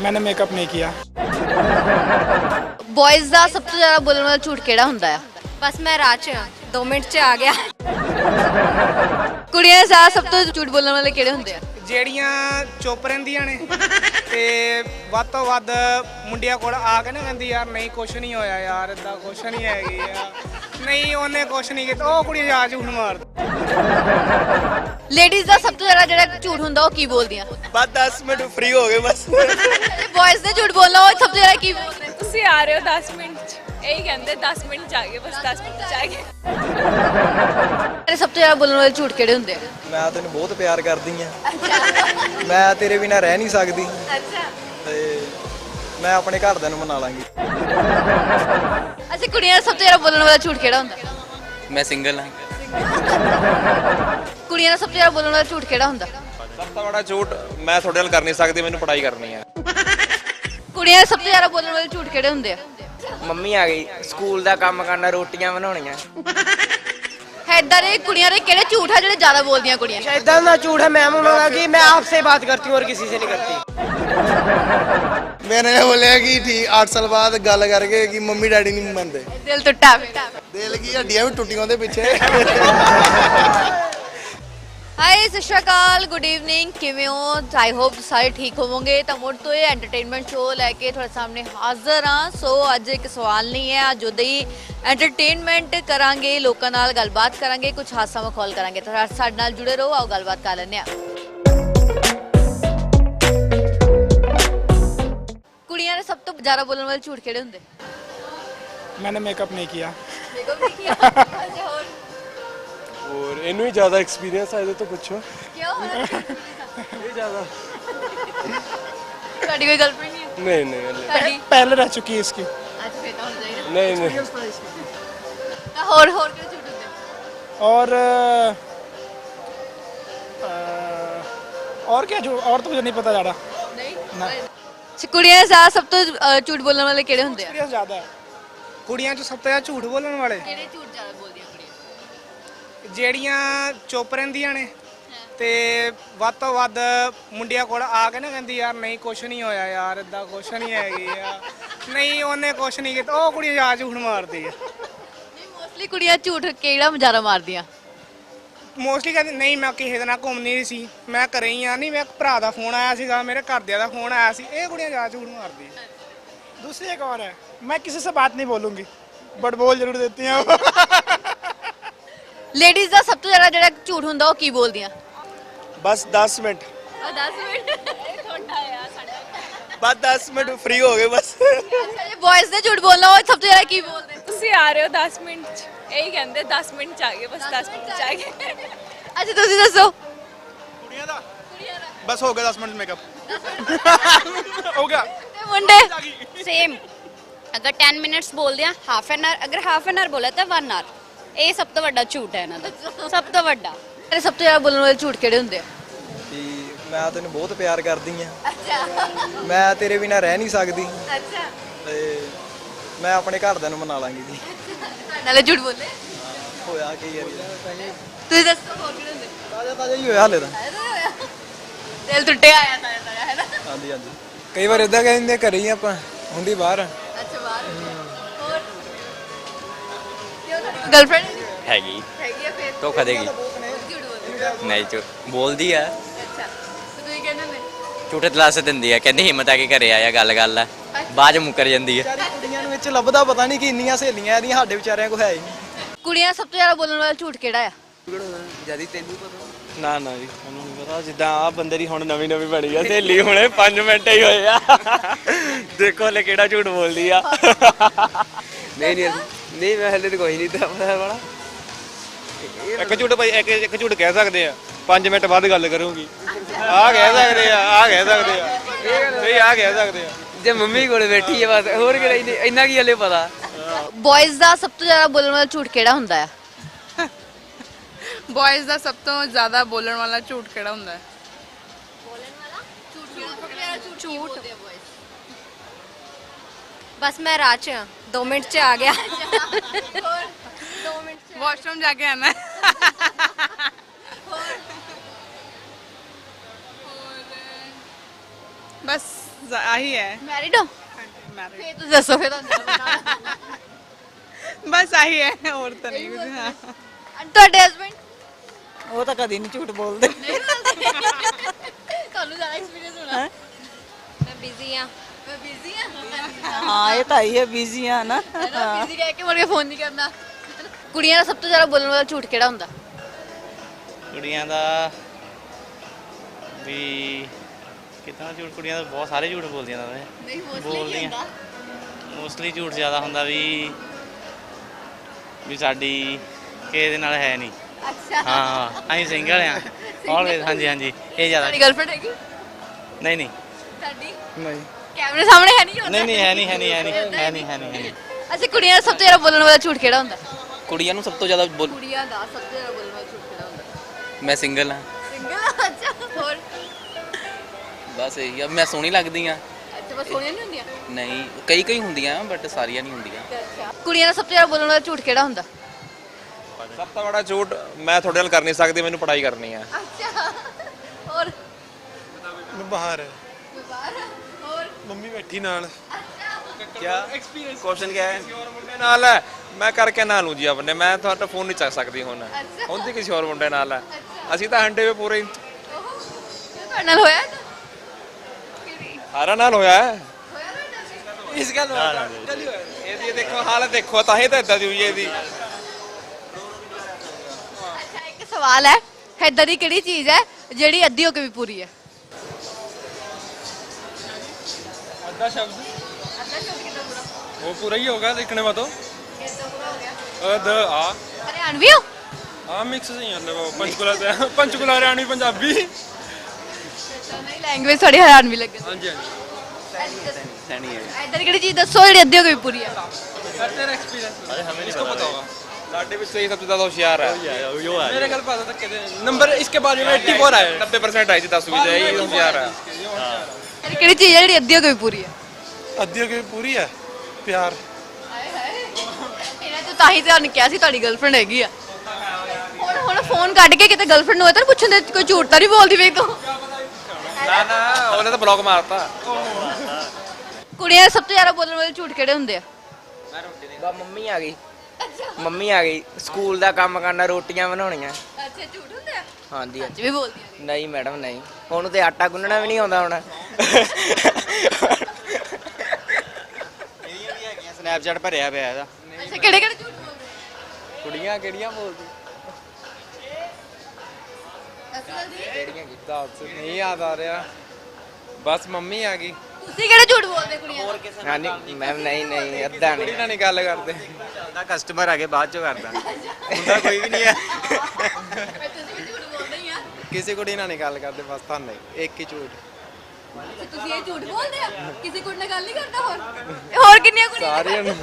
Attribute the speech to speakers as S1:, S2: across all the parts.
S1: मैंने मेकअप नहीं किया।
S2: बॉयज ਦਾ ਸਭ ਤੋਂ ਜ਼ਿਆਦਾ ਬੋਲਣ ਵਾਲਾ ਝੂਠ ਕਿਹੜਾ ਹੁੰਦਾ ਆ?
S3: बस मैं राह च 2 मिनट च आ गया।
S2: ਕੁੜੀਆਂ ਦਾ ਸਭ ਤੋਂ ਝੂਠ ਬੋਲਣ ਵਾਲੇ ਕਿਹੜੇ ਹੁੰਦੇ ਆ?
S1: ਜਿਹੜੀਆਂ ਚੁੱਪ ਰਹਿੰਦੀਆਂ ਨੇ ਤੇ ਵੱਧ ਤੋਂ ਵੱਧ ਮੁੰਡਿਆਂ ਕੋਲ ਆ ਕੇ ਨਾ ਕਹਿੰਦੀ ਯਾਰ ਨਹੀਂ ਕੁਛ ਨਹੀਂ ਹੋਇਆ ਯਾਰ ਇਦਾਂ ਕੁਛ ਨਹੀਂ ਹੈਗੀ ਆ ਨਹੀਂ ਉਹਨੇ ਕੁਛ ਨਹੀਂ ਕੀਤਾ ਉਹ ਕੁੜੀ ਜਾ ਝੂਠ ਮਾਰਦੀ।
S2: ਲੇਡੀਜ਼ ਦਾ ਸਭ ਤੋਂ ਜ਼ਿਆਦਾ ਜਿਹੜਾ ਝੂਠ ਹੁੰਦਾ ਉਹ ਕੀ ਬੋਲਦੀਆਂ?
S4: ਬਸ 10 ਮਿੰਟ ਫ੍ਰੀ ਹੋ ਗਏ ਬਸ।
S2: ਬॉयਜ਼ ਨੇ ਝੂਠ ਬੋਲਣਾ ਉਹ ਸਭ ਤੋਂ ਜ਼ਿਆਦਾ ਕੀ ਬੋਲਦੇ?
S3: ਤੁਸੀਂ ਆ ਰਹੇ ਹੋ 10 ਮਿੰਟ ਚ, ਇਹੀ ਕਹਿੰਦੇ 10 ਮਿੰਟ ਚ ਆ ਗਏ, ਬਸ 10 ਮਿੰਟ ਚ ਆ ਗਏ।
S2: ਸਭ ਤੋਂ ਜ਼ਿਆਦਾ ਬੋਲਣ ਵਾਲੇ ਝੂਠ ਕਿਹੜੇ ਹੁੰਦੇ ਆ?
S4: ਮੈਂ ਤੈਨੂੰ ਬਹੁਤ ਪਿਆਰ ਕਰਦੀ ਆ, ਮੈਂ ਤੇਰੇ ਬਿਨਾ ਰਹਿ ਨਹੀਂ ਸਕਦੀ
S2: ਅੱਛਾ
S4: ਤੇ ਮੈਂ ਆਪਣੇ ਘਰਦਿਆਂ ਨੂੰ ਮਨਾ ਲਾਂਗੀ।
S2: ਅੱਛਾ ਕੁੜੀਆਂ ਦਾ ਸਭ ਤੋਂ ਜ਼ਿਆਦਾ ਬੋਲਣ ਵਾਲਾ ਝੂਠ ਕਿਹੜਾ ਹੁੰਦਾ?
S5: ਮੈਂ ਸਿੰਗਲ ਹਾਂ।
S2: ਕੁੜੀਆਂ ਦਾ ਸਭ ਤੋਂ ਜ਼ਿਆਦਾ ਬੋਲਣ ਵਾਲਾ ਝੂਠ ਕਿਹੜਾ ਹੁੰਦਾ?
S6: ਸਭ ਤੋਂ ਬੜਾ ਝੂਠ ਮੈਂ ਤੁਹਾਡੇ ਨਾਲ ਕਰ ਨਹੀਂ ਸਕਦੀ, ਮੈਨੂੰ ਪੜ੍ਹਾਈ ਕਰਨੀ ਹੈ।
S2: ਕੁੜੀਆਂ ਦਾ ਸਭ ਤੋਂ ਜ਼ਿਆਦਾ ਬੋਲਣ ਵਾਲੇ ਝੂਠ ਕਿਹੜੇ ਹੁੰਦੇ ਆ?
S7: ਮੰਮੀ ਆ ਗਈ, ਸਕੂਲ ਦਾ ਕੰਮ ਕਰਨਾ, ਰੋਟੀਆਂ ਬਣਾਉਣੀਆਂ।
S2: ਇਦਾਂ ਦੇ ਕੁੜੀਆਂ ਦੇ ਕਿਹੜੇ ਝੂਠ ਆ ਜਿਹੜੇ ਜ਼ਿਆਦਾ ਬੋਲਦੀਆਂ ਕੁੜੀਆਂ?
S7: इतना ना झूठ है मैम उन्होंने कि मैं आपसे बात करती हूँ और किसी से नहीं करती।
S4: मैंने बोलिया कि ठीक 8 साल बाद गल करके कि मम्मी डैडी नहीं मनते,
S2: ਦਿਲ ਟੁੱਟਾ
S4: दिल की हड्डियां भी टुटियां ਉਹਦੇ ਪਿੱਛੇ।
S2: ਹਾਈ ਸਤਿ ਸ਼੍ਰੀ ਅਕਾਲ, ਗੁੱਡ ਈਵਨਿੰਗ, ਕਿਵੇਂ ਹੋ? ਆਈ ਹੋਪ ਸਾਰੇ ਠੀਕ ਹੋਵੋਗੇ। ਤਾਂ ਮੁੜ ਤੋਂ ਇਹ ਐਂਟਰਟੇਨਮੈਂਟ ਸ਼ੋਅ ਲੈ ਕੇ ਤੁਹਾਡੇ ਸਾਹਮਣੇ ਹਾਜ਼ਰ ਹਾਂ। ਸੋ ਅੱਜ ਇੱਕ ਸਵਾਲ ਨਹੀਂ ਹੈ, ਅੱਜ ਉਹਦੇ ਹੀ ਐਂਟਰਟੇਨਮੈਂਟ ਕਰਾਂਗੇ, ਲੋਕਾਂ ਨਾਲ ਗੱਲਬਾਤ ਕਰਾਂਗੇ, ਕੁਝ ਹਾਸਾ ਮਖੌਲ ਕਰਾਂਗੇ। ਤਾਂ ਸਾਡੇ ਨਾਲ ਜੁੜੇ ਰਹੋ, ਆਓ ਗੱਲਬਾਤ ਕਰ ਲੈਂਦੇ ਹਾਂ। ਕੁੜੀਆਂ ਦੇ ਸਭ ਤੋਂ ਜ਼ਿਆਦਾ ਬੋਲਣ ਵਾਲੇ ਝੂਠ ਕਿਹੜੇ ਹੁੰਦੇ?
S1: मैंने मेकअप नहीं किया।
S2: ਮੇਕਅਪ ਨਹੀਂ ਕੀਤਾ। ਅੱਛਾ ਹੋਰ
S8: और इनू ही ज़्यादा एक्सपीरियंस है ये तो पूछो।
S2: ਕਿਉਂ?
S8: ये ज़्यादा
S2: ਤੁਹਾਡੀ ਕੋਈ ਗਰਲਫ੍ਰੈਂਡ ਨਹੀਂ ਹੈ?
S8: नहीं नहीं
S2: ਤੁਹਾਡੀ
S1: पहले रह चुकी है इसकी।
S2: ਅੱਜ ਫੇਰ ਤਾਂ ਹੁਣ ਜਾਈਏ।
S8: नहीं नहीं
S2: ਤਾਂ ਹੋਰ ਕਿਹੜੇ ਝੂਠ ਹੁੰਦੇ?
S1: और क्या जो और तो मुझे नहीं पता ज़्यादा।
S2: ਨਹੀਂ
S1: ਨਾ।
S2: ਕੁੜੀਆਂ ਦਾ ਸਭ ਤੋਂ ਝੂਠ ਬੋਲਣ ਵਾਲੇ ਕਿਹੜੇ ਹੁੰਦੇ ਆ?
S1: एक्सपीरियंस ज़्यादा है। ਕੁੜੀਆਂ 'ਚ ਸਭ ਤੋਂ ਜ਼ਿਆਦਾ ਝੂਠ ਬੋਲਣ ਵਾਲੇ
S2: ਕਿਹੜੇ ਝੂਠ ਜ਼ਿਆਦਾ ਬੋਲਦੀਆਂ ਕੁੜੀਆਂ?
S1: ਜਿਹੜੀਆਂ ਚੁੱਪ ਰਹਿੰਦੀਆਂ ਨੇ ਤੇ ਵੱਧ ਤੋਂ ਵੱਧ ਮੁੰਡਿਆਂ ਕੋਲ ਆ ਕੇ ਨਾ ਕਹਿੰਦੀ ਯਾਰ ਨਹੀਂ ਕੁਛ ਨਹੀਂ ਹੋਇਆ ਯਾਰ ਇਦਾਂ ਕੁਛ ਨਹੀਂ ਹੈਗੀ ਆ ਨਹੀਂ ਉਹਨੇ ਕੁਛ ਨਹੀਂ ਕੀਤਾ ਉਹ ਕੁੜੀ ਜਾ ਝੂਠ ਮਾਰਦੀ ਆ।
S2: ਨਹੀਂ ਮੋਸਟਲੀ ਕੁੜੀਆਂ ਝੂਠ ਕਿਹੜਾ ਜ਼ਿਆਦਾ ਮਾਰਦੀਆਂ?
S1: ਮੋਸਟਲੀ ਕਹਿੰਦੀ ਨਹੀਂ ਮੈਂ ਕਿਸੇ ਦੇ ਨਾਲ ਘੁੰਮਣੀ ਨਹੀਂ ਸੀ, ਮੈਂ ਘਰੇ ਹੀ ਆ, ਨਹੀਂ ਮੈਂ ਭਰਾ ਦਾ ਫੋਨ ਆਇਆ ਸੀਗਾ, ਮੇਰੇ ਘਰਦਿਆਂ ਦਾ ਫੋਨ ਆਇਆ ਸੀ, ਇਹ ਕੁੜੀਆਂ ਜਾ ਝੂਠ ਮਾਰਦੀ ਆ। दूसरी एक और है, मैं किसी से बात नहीं बोलूंगी बट बोल जरूर देती हैं।
S2: ਲੇਡੀਜ਼ ਦਾ ਸਭ ਤੋਂ ਜ਼ਿਆਦਾ ਜਿਹੜਾ ਝੂਠ ਹੁੰਦਾ ਉਹ ਕੀ ਬੋਲਦੀਆਂ?
S4: ਬਸ 10 ਮਿੰਟ
S2: 10 ਮਿੰਟ।
S4: ਬਸ 10 ਮਿੰਟ ਫ੍ਰੀ ਹੋ ਗਏ ਬਸ।
S2: ਅੱਛਾ ਜੇ ਬॉयਜ਼ ਨੇ ਝੂਠ ਬੋਲਣਾ ਉਹ ਸਭ ਤੋਂ ਜ਼ਿਆਦਾ ਕੀ ਬੋਲਦੇ?
S3: ਤੁਸੀਂ ਆ ਰਹੇ ਹੋ 10 ਮਿੰਟ ਚ, ਇਹੀ ਕਹਿੰਦੇ 10 ਮਿੰਟ ਚ ਆ ਗਏ, ਬਸ 10 ਮਿੰਟ ਚ ਆ ਗਏ।
S2: ਅੱਛਾ ਤੁਸੀਂ ਦੱਸੋ।
S4: ਕੁੜੀਆਂ ਦਾ ਬਸ ਹੋ ਗਿਆ 10 ਮਿੰਟ ਮੇਕਅਪ ਹੋ ਗਿਆ।
S2: ਤੇ ਮੁੰਡੇ?
S3: सेम अगर 10 मिनट्स बोल दिया, हाफ एन आवर, अगर हाफ एन आवर बोला तो 1 आवर। ਇਹ ਸਭ ਤੋਂ ਵੱਡਾ ਝੂਠ ਹੈ ਇਹਨਾਂ ਦਾ, ਸਭ ਤੋਂ ਵੱਡਾ।
S2: ਸਭ ਤੋਂ ਜ਼ਿਆਦਾ ਬੋਲਣ ਵਾਲੇ ਝੂਠ ਕਿਹੜੇ ਹੁੰਦੇ ਆ?
S4: ਕਿ ਮੈਂ ਤੈਨੂੰ ਬਹੁਤ ਪਿਆਰ ਕਰਦੀ ਆ,
S2: ਅੱਛਾ
S4: ਮੈਂ ਤੇਰੇ ਬਿਨਾ ਰਹਿ ਨਹੀਂ ਸਕਦੀ
S2: ਅੱਛਾ
S4: ਤੇ ਮੈਂ ਆਪਣੇ ਘਰਦਿਆਂ ਨੂੰ ਮਨਾ ਲਾਂਗੀ ਜੀ।
S2: ਨਾਲੇ ਝੂਠ ਬੋਲੇ।
S4: ਹੋਇਆ ਕੀ ਯਾਰ,
S2: ਤੁਸੀਂ ਦੱਸੋ ਹੋਰ ਕਿਹੜੇ ਹੁੰਦੇ?
S4: ਤਾਜ਼ਾ ਤਾਜ਼ਾ ਹੀ ਹੋਇਆ ਹਲੇ ਤਾਂ।
S2: ਦਿਲ ਟੁੱਟਿਆ ਆਇਆ ਤਾਂ ਹੈ ਨਾ?
S4: ਹਾਂਜੀ ਹਾਂਜੀ।
S8: कई बार इदा कहते घरे ही आप ਹੁੰਦੀ ਬਾਹਰ।
S2: ਅੱਛਾ ਬਾਹਰ ਹੋਰ ਗਰਲਫ੍ਰੈਂਡ
S5: ਹੈਗੀ
S2: ਹੈਗੀ ਆ ਫਿਰ
S5: ਧੋਖਾ ਦੇਗੀ।
S2: ਝੂਠ ਬੋਲਦੀ
S5: ਨਹੀਂ ਝੂਠ ਬੋਲਦੀ ਆ,
S2: ਅੱਛਾ ਤੇ ਤੁਸੀਂ ਕਹਿੰਦੇ ਨੇ
S5: ਝੂਠੇ ਤਲਾਸ ਦਿੰਦੀ ਆ, ਕਹਿੰਦੀ ਹਿੰਮਤ ਆ ਕੇ ਘਰੇ ਆਇਆ, ਗੱਲ ਗੱਲ ਆ, ਬਾਅਦ ਚ ਮੁੱਕਰ ਜਾਂਦੀ ਆ।
S4: ਵਿਚਾਰੀ ਕੁੜੀਆਂ ਨੂੰ ਵਿੱਚ ਲੱਭਦਾ ਪਤਾ ਨਹੀਂ ਕਿ ਇੰਨੀਆਂ ਸਹੇਲੀਆਂ ਇਹਦੀਆਂ ਸਾਡੇ ਵਿਚਾਰਿਆਂ ਕੋਲ ਹੈ ਹੀ ਨਹੀਂ।
S2: ਕੁੜੀਆਂ ਸਭ ਤੋਂ ਜ਼ਿਆਦਾ ਬੋਲਣ ਵਾਲਾ ਝੂਠ ਕਿਹੜਾ ਆ?
S4: ਜਦੀ ਤੈਨੂੰ ਪਤਾ
S8: ਨਾ ਨਾ ਜੀ ਮੈਨੂੰ ਨਹੀਂ ਪਤਾ। ਜਿੱਦਾਂ ਆ ਬੰਦੇ ਦੀ ਹੁਣ ਨਵੀਂ ਨਵੀਂ ਬਣੀ ਆ ਸਹੇਲੀ, ਹੁਣੇ 5 ਮਿੰਟ ਹੀ ਹੋਏ ਆ, ਦੇਖੋ ਹਲੇ ਕਿਹੜਾ ਝੂਠ ਬੋਲਦੀ ਆ।
S7: नहीं नहीं नहीं, मैं हले तो कोई नहीं था बड़ा।
S6: ਇੱਕ ਝੂਠ ਭਾਈ ਇੱਕ ਝੂਠ ਕਹਿ ਸਕਦੇ ਆ, 5 ਮਿੰਟ ਬਾਅਦ ਗੱਲ ਕਰੂੰਗੀ, ਆ ਕਹਿ ਸਕਦੇ ਆ, ਆ ਕਹਿ ਸਕਦੇ ਆ, ਨਹੀਂ ਆ ਕਹਿ ਸਕਦੇ ਆ।
S7: ਜੇ ਮੰਮੀ ਕੋਲ ਬੈਠੀ ਹੈ ਬਸ, ਹੋਰ ਕਿਹੜਾ ਇੰਨਾ ਕੀ ਹਲੇ ਪਤਾ।
S2: ਬॉयਜ਼ ਦਾ ਸਭ ਤੋਂ ਜ਼ਿਆਦਾ ਬੋਲਣ ਵਾਲਾ ਝੂਠ ਕਿਹੜਾ ਹੁੰਦਾ ਆ?
S9: ਬॉयਜ਼ ਦਾ ਸਭ ਤੋਂ ਜ਼ਿਆਦਾ ਬੋਲਣ ਵਾਲਾ ਝੂਠ ਕਿਹੜਾ ਹੁੰਦਾ ਹੈ?
S3: ਝੂਠ ਬਸ ਮੈਂ ਰਾਹ ਚ 2 ਮਿੰਟ ਚ ਆ ਗਿਆ। 2 ਮਿੰਟ ਚ
S9: ਵਾਸ਼ਰੂਮ ਜਾ ਕੇ ਆਣਾ। ਬਸ ਆਹੀ ਹੈ
S2: ਮੈਰਿਡ ਹੋ ਫੇਰ ਤੁਸੀਂ ਦੱਸੋ ਫੇਰ ਤੁਹਾਨੂੰ
S9: ਬਸ ਆਹੀ ਹੈ ਹੋਰ ਤਾਂ ਨਹੀਂ ਕੁਝ ਹਾਂ
S2: ਤੁਹਾਡੇ ਹਸਬੰਡ
S10: ਉਹ ਤਾਂ ਕਦੀ ਨਹੀਂ ਝੂਠ ਬੋਲਦੇ
S2: ਤੁਹਾਨੂੰ ਜ਼ਿਆਦਾ ਐਕਸਪੀਰੀਅੰਸ ਹੋਣਾ
S3: ਮੈਂ ਬਿਜ਼ੀ ਆ
S2: ਮੈਂ ਬਿਜ਼ੀ ਆ
S10: ਹਾਂ ਇਹ ਤਾਂ ਹੀ ਹੈ ਬਿਜ਼ੀ ਆ ਨਾ
S2: ਬਿਜ਼ੀ ਕਹਿ ਕੇ ਮੁੜ ਕੇ ਫੋਨ ਨਹੀਂ ਕਰਨਾ ਕੁੜੀਆਂ ਦਾ ਸਭ ਤੋਂ ਜ਼ਿਆਦਾ ਬੋਲਣ ਵਾਲਾ ਝੂਠ ਕਿਹੜਾ ਹੁੰਦਾ
S8: ਕੁੜੀਆਂ ਦਾ ਵੀ ਕਿਤਨਾ ਝੂਠ ਕੁੜੀਆਂ ਦਾ ਬਹੁਤ ਸਾਰੇ ਝੂਠ ਬੋਲਦੀਆਂ ਨੇ
S2: ਨਹੀਂ
S8: ਬੋਲਦੀਆਂ ਮੋਸਟਲੀ ਝੂਠ ਜ਼ਿਆਦਾ ਹੁੰਦਾ ਵੀ ਸਾਡੀ ਕਿਸੇ ਦੇ ਨਾਲ ਹੈ ਨਹੀਂ
S2: ਅੱਛਾ
S8: ਹਾਂ ਅਸੀਂ ਸਿੰਗਲ ਆ ਆਲਵੇਜ਼ ਹਾਂਜੀ ਹਾਂਜੀ ਇਹ ਜ਼ਿਆਦਾ
S2: ਤੁਹਾਡੀ ਗਰਲਫ੍ਰੈਂਡ ਹੈਗੀ
S8: ਨਹੀਂ ਨਹੀਂ
S2: ਤੁਹਾਡੀ
S1: ਨਹੀਂ
S2: ਕੈਮਰੇ ਸਾਹਮਣੇ ਹੈ ਨਹੀਂ ਹੁੰਦਾ
S8: ਨਹੀਂ ਹੈ ਨਹੀਂ
S2: ਅੱਛਾ ਕੁੜੀਆਂ ਦਾ ਸਭ ਤੋਂ ਜ਼ਿਆਦਾ ਬੋਲਣ ਵਾਲਾ ਝੂਠ ਕਿਹੜਾ ਹੁੰਦਾ
S7: ਕੁੜੀਆਂ ਨੂੰ ਸਭ ਤੋਂ ਜ਼ਿਆਦਾ
S2: ਕੁੜੀਆਂ ਦਾ ਸਭ ਤੋਂ ਜ਼ਿਆਦਾ ਬੋਲਣ ਵਾਲਾ ਝੂਠ ਕਿਹੜਾ ਹੁੰਦਾ
S7: ਮੈਂ ਸਿੰਗਲ ਹਾਂ
S2: ਸਿੰਗਲ ਅੱਛਾ ਹੋਰ
S7: ਬਸ ਇਹੀ ਆ ਮੈਂ ਸੋਹਣੀ ਲੱਗਦੀ ਆ
S2: ਅੱਛਾ ਬਸ ਸੋਹਣੀਆਂ ਨਹੀਂ ਹੁੰਦੀਆਂ
S7: ਨਹੀਂ ਕਈ ਹੁੰਦੀਆਂ ਬਟ ਸਾਰੀਆਂ ਨਹੀਂ ਹੁੰਦੀਆਂ
S2: ਅੱਛਾ ਕੁੜੀਆਂ ਦਾ ਸਭ ਤੋਂ ਜ਼ਿਆਦਾ ਬੋਲਣ ਵਾਲਾ ਝੂਠ ਕਿਹੜਾ ਹੁੰਦਾ
S6: ਸਭ ਤੋਂ ਬੜਾ ਝੂਠ ਮੈਂ ਤੁਹਾਡੇ ਨਾਲ ਕਰ ਨਹੀਂ ਸਕਦੀ ਮੈਨੂੰ ਪੜ੍ਹਾਈ ਕਰਨੀ ਹੈ
S2: ਅੱਛਾ ਹੋਰ
S4: ਬਾਹਰ
S2: ਬਾਹਰ ਹੋਰ
S4: ਮੰਮੀ ਬੈਠੀ ਨਾਲ
S6: क्या क्वेश्चन क्या है मुंडे नाल है मैं करके ना लूं जी अपने मैं ਤੁਹਾਡਾ ਫੋਨ ਨਹੀਂ ਚੱਕ ਸਕਦੀ ਹੁਣ ਹੁੰਦੀ ਕਿਸੇ ਹੋਰ ਮੁੰਡੇ ਨਾਲ ਹੈ ਅਸੀਂ ਤਾਂ ਹੰਡੇ ਵੇ ਪੂਰੇ
S2: ਤੁਹਾਡੇ ਨਾਲ ਹੋਇਆ
S6: ਸਾਰਾ ਨਾਲ ਹੋਇਆ ਹੈ
S2: ਹੋਇਆ ਤੁਹਾਡਾ
S6: ਇਸ ਗੱਲ ਇਹਦੀ ਦੇਖੋ ਹਾਲਤ ਦੇਖੋ ਤਾਂ ਹੀ ਤਾਂ ਇਦਾਂ ਦੀ ਹੋਈ ਹੈ ਇਹਦੀ
S2: ਅੱਛਾ ਇੱਕ ਸਵਾਲ ਹੈ ਏਦਾਂ ਦੀ ਕਿਹੜੀ ਚੀਜ਼ ਹੈ ਜਿਹੜੀ ਅੱਧੀ ਹੋ ਕੇ ਵੀ ਪੂਰੀ ਹੈ
S4: ਅੱਧਾ ਸ਼ਬਦ
S2: ਅੱਧਾ ਸ਼ਬਦ ਕਿੱਦਾਂ ਪੂਰਾ
S4: वो पूरा ही होगा लिखने में तो
S2: ਕਿੱਦਾਂ ਪੂਰਾ ਹੋ ਗਿਆ
S4: द आ
S2: ਹਰਿਆਣਵੀ ਹੋ
S4: हाँ मिक्स ही है वो पंचकुला से पंचकुला हरियाणवी पंजाबी
S2: ਨਹੀਂ ਲੈਂਗੁਏਜ ਤੁਹਾਡੀ ਹਰਿਆਣਵੀ ਲੱਗੇ
S4: हाँ जी हाँ जी
S7: ਸੈਣੀ ਹੈ
S2: ਏਦਾਂ ਦੀ ਕਿਹੜੀ ਚੀਜ਼ ਦੱਸੋ ਜਿਹੜੀ ਅੱਧੀ ਹੋ ਕੇ ਵੀ ਪੂਰੀ ਹੈ
S4: तेरा एक्सपीरियंस इसको पता होगा
S6: ਸਾਡੇ ਵਿੱਚ ਸਹੀ ਸਭ ਤੋਂ ਜ਼ਿਆਦਾ ਹੁਸ਼ਿਆਰ ਹੈ
S4: मेरे घर पास तक के नंबर इसके बाद में 84 आए
S6: 90% ਆਈ ਜੀ 10 ਵਿੱਚ ਇਹ ਹੁਸ਼ਿਆਰ ਹੈ
S2: ਇਹ ਕਿਹੜੀ ਚੀਜ਼ ਹੈ ਜਿਹੜੀ ਅੱਧੀ ਹੋ ਕੇ ਵੀ ਪੂਰੀ ਹੈ
S4: अद्धी की पूरी है प्यार
S2: ਹਾਏ ਹਾਏ ਇਹਨਾਂ ਤੇ ਤਾਂ ਹੀ ਤੁਹਾਨੂੰ ਕਿਹਾ ਸੀ ਤੁਹਾਡੀ ਗਰਲਫ੍ਰੈਂਡ ਹੈਗੀ ਆ ਹੁਣ ਫੋਨ ਕੱਢ ਕੇ ਕਿਤੇ ਗਰਲਫ੍ਰੈਂਡ ਨੂੰ ਹੋਏ ਤਾਂ ਪੁੱਛਣ ਦੇ ਕੋਈ ਝੂਠ ਤਾਂ ਨਹੀਂ ਬੋਲਦੀ ਵੇ ਤੂੰ
S6: ਨਾ ਉਹਨੇ ਤਾਂ ਬਲੌਕ ਮਾਰਤਾ
S2: ਕੁੜੀਆਂ ਦੇ ਸਭ ਤੋਂ ਜ਼ਿਆਦਾ ਬੋਲਣ ਵਾਲੇ ਝੂਠ ਕਿਹੜੇ ਹੁੰਦੇ ਆ
S10: ਮੰਮੀ ਆ ਗਈ ਸਕੂਲ ਦਾ ਕੰਮ ਕਰਨਾ ਰੋਟੀਆਂ ਬਣਾਉਣੀਆਂ
S2: ਅੱਛਾ ਝੂਠ ਹੁੰਦੇ ਆ
S10: ਹਾਂਜੀ
S2: ਅੱਜ ਵੀ ਬੋਲਦੀਆਂ ਨੇ
S10: ਨਹੀਂ ਮੈਡਮ ਨਹੀਂ ਉਹਨੂੰ ਤੇ ਆਟਾ ਗੁੰਨਣਾ ਵੀ ਨਹੀਂ ਆਉਂਦਾ ਹੁਣ
S8: ਸਨੈਪਚੈਟ ਭਰਿਆ ਪਿਆ ਇਹਦਾ
S2: ਅੱਛਾ ਕਿਹੜੇ ਕਿਹੜੇ ਝੂਠ ਬੋਲਦੇ
S6: ਕੁੜੀਆਂ ਕਿਹੜੀਆਂ ਬੋਲਦੀ ਦੱਸ ਨਹੀਂ ਯਾਦ ਆ ਰਿਹਾ ਬਸ ਮੰਮੀ ਆ ਗਈ
S2: ਤੁਸੀਂ ਕਿਹੜੇ ਝੂਠ ਬੋਲਦੇ ਕੁੜੀਆਂ ਹੋਰ ਕਿਸੇ
S10: ਹਾਂ ਨਹੀਂ ਮੈਮ ਨਹੀਂ ਅੱਧਾ
S6: ਕੁੜੀ ਨਾਲ ਨਹੀਂ ਗੱਲ ਕਰਦੇ
S8: ਉਹਦਾ ਕਸਟਮਰ ਆ ਕੇ ਬਾਅਦ ਚੋਂ ਕਰਦਾ ਹੁੰਦਾ ਕੋਈ ਵੀ ਨਹੀਂ ਹੈ
S2: ਤੁਸੀਂ ਵੀ ਝੂਠ ਬੋਲਦੇ ਹੀ ਆ
S6: ਕਿਸੇ ਕੁੜੀ ਨਾਲ ਨਹੀਂ ਗੱਲ ਕਰਦੇ ਬਸ ਤੁਹਾਨੂੰ ਇੱਕ ਹੀ ਝੂਠ
S2: ਅੱਛਾ, ਤੁਸੀਂ ਇਹ ਝੂਠ ਬੋਲਦੇ ਆ ਕਿਸੇ ਕੁੜੀ ਨਾਲ ਗੱਲ ਨਹੀਂ ਕਰਦਾ ਹੋਰ ਕਿੰਨੀਆਂ ਕੁੜੀਆਂ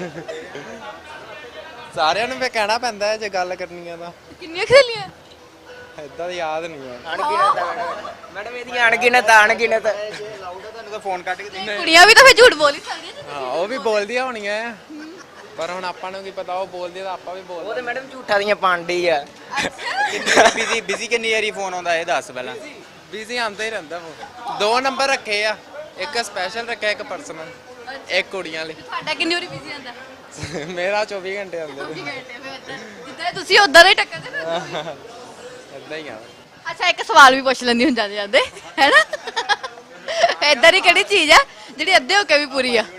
S6: ਸਾਰਿਆਂ ਨੂੰ ਵੀ ਕਹਿਣਾ ਪੈਂਦਾ ਹੈ ਜੇ ਗੱਲ ਕਰਨੀ ਆ ਤਾਂ
S2: ਕਿੰਨੀਆਂ ਖੇਲੀਆਂ
S6: ਏਦਾਂ ਯਾਦ ਨਹੀਂ ਹੈ
S10: ਮੈਡਮ ਇਹਦੀਆਂ ਅਣਗਿਣਤ
S8: ਤੁਹਾਨੂੰ ਤਾਂ ਫੋਨ ਕੱਢ ਕੇ
S2: ਕੁੜੀਆਂ ਵੀ ਤਾਂ ਫਿਰ ਝੂਠ ਬੋਲ ਹੀ ਸਕਦੀਆਂ ਜੀ
S6: ਹਾਂ ਉਹ ਵੀ ਬੋਲਦੀਆਂ ਹੋਣੀਆਂ ਆ ਪਰ ਹੁਣ ਆਪਾਂ ਨੂੰ ਕੀ ਪਤਾ ਉਹ ਬੋਲਦੀ ਤਾਂ ਆਪਾਂ ਵੀ
S10: ਉਹ
S6: ਬੋਲਦੇ
S10: ਤੇ ਮੈਡਮ ਝੂਠਾਂ ਦੀਆਂ ਪਾਂਡੀ ਆ
S8: ਬਿਜ਼ੀ ਕਿੰਨੀ ਵਾਰੀ ਫੋਨ ਆਉਂਦਾ ਇਹ ਦੱਸ ਪਹਿਲਾਂ
S6: ਬਿਜ਼ੀ ਆਉਂਦਾ ਹੀ ਰਹਿੰਦਾ ਉਹ ਦੋ ਨੰਬਰ ਰੱਖੇ ਆ ਇੱਕ ਸਪੈਸ਼ਲ ਰੱਖਿਆ ਇੱਕ ਪਰਸਨਲ ਇੱਕ ਕੁੜੀਆਂ ਲਈ
S2: ਤੁਹਾਡਾ ਕਿੰਨੀ ਵਾਰੀ ਬਿਜ਼ੀ ਆਂਦਾ
S6: ਮੇਰਾ 24 ਘੰਟੇ ਆਉਂਦੇ
S2: ਜਿੱਦਾਂ ਤੁਸੀਂ ਉਦਾਂ ਦਾ ਹੀ ਟੱਕਰਦੇ ਫਿਰ
S6: ਏਦਾਂ ਹੀ ਆ
S2: ਅੱਛਾ ਇੱਕ ਸਵਾਲ ਵੀ ਪੁੱਛ ਲੈਂਦੀ ਹੁਣ ਜਾਂਦੇ ਜਾਂਦੇ ਹੈਨਾ ਏਦਾਂ ਦੀ ਕਿਹੜੀ ਚੀਜ਼ ਹੈ ਜਿਹੜੀ ਅੱਧੇ ਹੋ ਕੇ ਵੀ ਪੂਰੀ ਆ